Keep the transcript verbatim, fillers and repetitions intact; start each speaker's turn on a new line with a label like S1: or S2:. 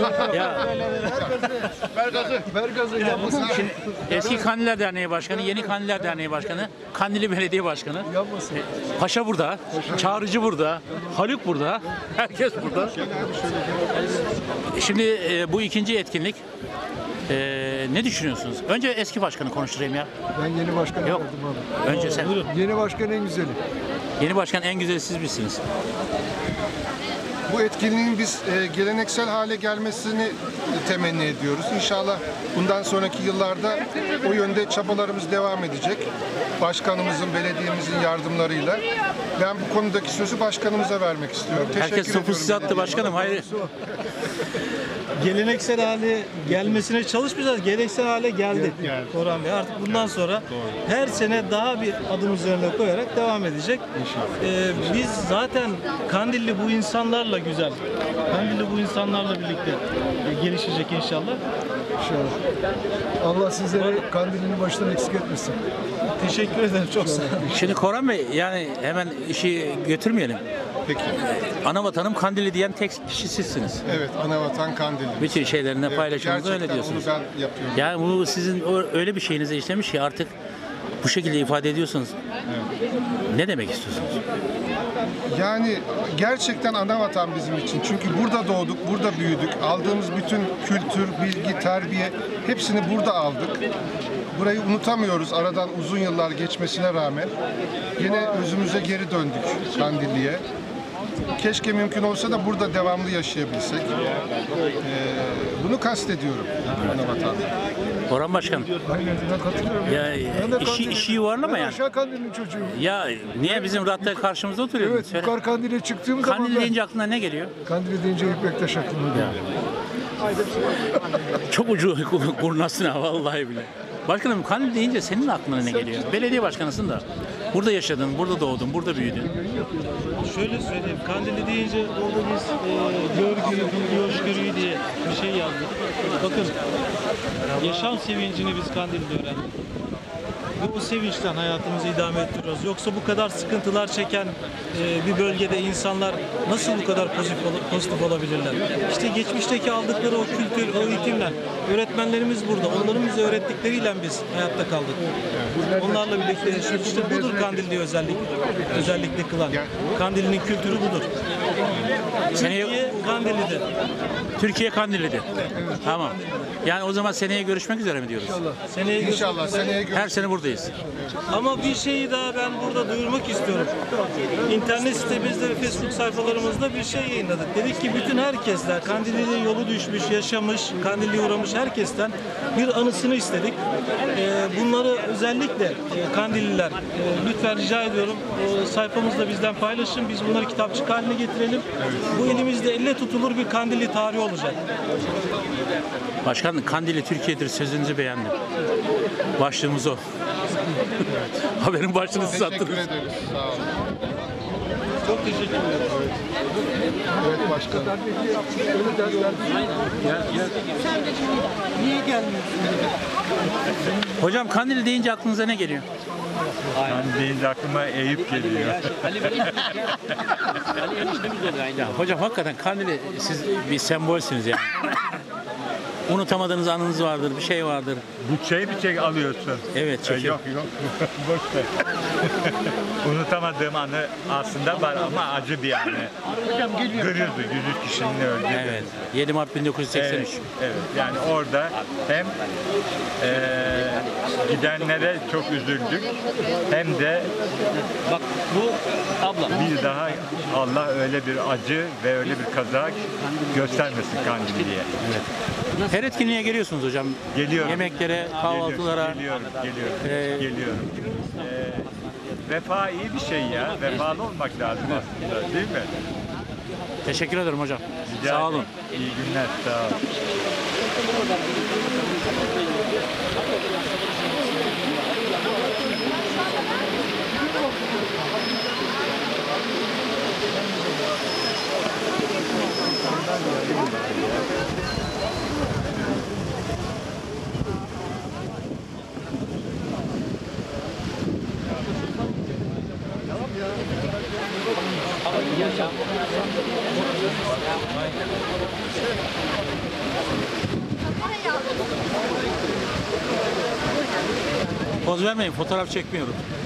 S1: Ya
S2: Ver gazı. Ver gazı. Yapmasın.
S1: şimdi eski Kandiller Derneği Başkanı, yeni Kandiller Derneği Başkanı, Kandilli Belediye Başkanı.
S2: Yapmasın.
S1: Paşa burada, Çağrıcı burada, Haluk burada, herkes burada. Şimdi e, bu ikinci etkinlik. E, ne düşünüyorsunuz? Önce eski başkanı konuşturayım ya.
S2: Ben yeni başkanı
S1: Yok.
S2: verdim abi.
S1: Önce sen.
S2: Yeni başkan en güzeli.
S1: Yeni başkan en güzeli siz misiniz?
S3: Bu etkinliğin biz e, geleneksel hale gelmesini e, temenni ediyoruz. İnşallah bundan sonraki yıllarda o yönde çabalarımız devam edecek. Başkanımızın, belediyemizin yardımlarıyla. Ben bu konudaki sözü başkanımıza vermek istiyorum.
S1: Herkes
S3: Teşekkür
S1: topu
S3: ediyorum
S1: size attı
S3: belediye.
S1: başkanım. Hayır.
S4: Geleneksel hale gelmesine çalışmayacağız. Geleneksel hale geldi. Orhan Bey artık bundan sonra her sene daha bir adım üzerine koyarak devam edecek. Ee, biz zaten Kandilli bu insanlarla güzel. Kandilli bu insanlarla birlikte e, gelişecek inşallah.
S2: İnşallah. Allah sizleri Kandil'in başından eksik etmesin.
S4: Teşekkür ederim çok sağ olun.
S1: Şimdi Koran Bey, yani hemen işi götürmeyelim.
S3: Peki.
S1: Ana vatanım Kandilli diyen tek kişi sizsiniz.
S3: Evet, Anavatan Kandilli.
S1: Bütün şeylerinde
S3: Evet,
S1: paylaşımınızda öyle
S3: gerçekten
S1: diyorsunuz.
S3: onu ben yapıyorum.
S1: Yani bu sizin o- öyle bir şeyinize işlemiş ki artık bu şekilde ifade ediyorsunuz. Ne demek istiyorsunuz?
S3: Yani gerçekten ana vatan bizim için. Çünkü burada doğduk, burada büyüdük. Aldığımız bütün kültür, bilgi, terbiye hepsini burada aldık. Burayı unutamıyoruz aradan uzun yıllar geçmesine rağmen. Yine özümüze geri döndük Kandilli'ye. Keşke mümkün olsa da burada devamlı yaşayabilsek. Ee, bunu kastediyorum ana vatan.
S1: Orhan Başkan,
S2: Aynen ben katılıyorum.
S1: ya
S2: Ben de
S1: işi,
S2: Kandil'in-
S1: işi yuvarlama
S2: Ben
S1: yani.
S2: aşağı Kandil'in çocuğuyum.
S1: Ya niye bizim ratta karşımızda oturuyorsun?
S2: Evet,
S1: Söyle.
S2: yukarı Kandil'e çıktığım zaman
S1: Kandil
S2: ben...
S1: deyince aklına ne geliyor?
S2: Kandil'e deyince ilk Bektaş aklıma geliyor.
S1: Çok ucu kurnazsın ha vallahi bile. Başkanım, Kandil deyince senin aklına ne geliyor? Belediye başkanısın da. Burada yaşadın, burada doğdun, burada büyüdün.
S4: Şöyle söyleyeyim, Kandilli deyince orada biz e, görgü, bilgi, hoşgörüyü diye bir şey yazdık. Bakın, yaşam sevincini biz Kandilli'de öğrendik. Ve bu sevinçten hayatımızı idame ettiriyoruz. Yoksa bu kadar sıkıntılar çeken e, bir bölgede insanlar nasıl bu kadar pozitif, ol- pozitif olabilirler? İşte geçmişteki aldıkları o kültür, o eğitimler, öğretmenlerimiz burada. Onların bize öğrettikleriyle biz hayatta kaldık. Onlarla birlikte yaşıyoruz. İşte budur Kandilli'yi özellik, özellikle kılan. Kandilli'nin kültürü budur.
S1: Seneye
S4: Türkiye Kandilli'de.
S1: Türkiye Kandilli'de. Tamam. Yani o zaman seneye görüşmek üzere mi diyoruz?
S4: Seneye gö-
S3: İnşallah seneye görüşürüz.
S1: Her sene buradayız.
S4: Ama bir şeyi daha ben burada duyurmak istiyorum. İnternet sitemizde ve Facebook sayfalarımızda bir şey yayınladık. Dedik ki bütün herkesler, Kandilli'de yolu düşmüş, yaşamış, Kandilli'ye uğramış herkesten bir anısını istedik. Ee, bunları özellikle e, Kandilliler, e, lütfen rica ediyorum e, sayfamızda bizden paylaşın. Biz bunları kitapçık haline getirelim. Bu elimizde elle tutulur bir Kandilli tarihi olacak.
S1: Başkan, Kandilli Türkiye'dir sözünüzü beğendim. Başlığımız o. Haberin başlığını siz
S3: Teşekkür
S1: attınız.
S3: ederiz. Sağ olun.
S4: Çok teşekkür ederim.
S3: Evet başkanım.
S1: Hocam, Kandilli deyince aklınıza ne geliyor?
S5: Ben deyince aklıma Eyüp geliyor.
S1: Ya hocam, hakikaten Kandilli siz bir sembolsünüz yani. Unutamadığınız anınız vardır, bir şey vardır.
S5: Bu şey bir şey alıyorsun.
S1: Evet,
S5: Ee,
S1: çekiyor.
S5: Yok yok. Boş ver. Unutamadığım anı aslında var ama acı bir anı. Görüyordu yüz üç kişinin öldüğü.
S1: Evet. yedi Mart bin dokuz yüz seksen üç.
S5: Evet, evet. Yani orada hem eee, gidenlere çok üzüldük hem de
S6: Bak bu abla.
S5: bir daha Allah öyle bir acı ve öyle bir kaza göstermesin Kandilli'ye.
S1: Her etkinliğe geliyorsunuz hocam.
S5: Geliyorum.
S1: Yemeklere, kahvaltılara.
S5: Geliyorum, geliyorum,
S1: Ee,
S5: geliyorum. Ee, vefa iyi bir şey ya. Vefalı olmak lazım aslında, değil mi?
S1: Teşekkür ederim hocam.
S5: Rica
S1: Sağ
S5: ederim.
S1: olun.
S5: İyi günler, sağ olun.
S6: Yaşam.
S1: Poz vermeyin, fotoğraf çekmiyorum.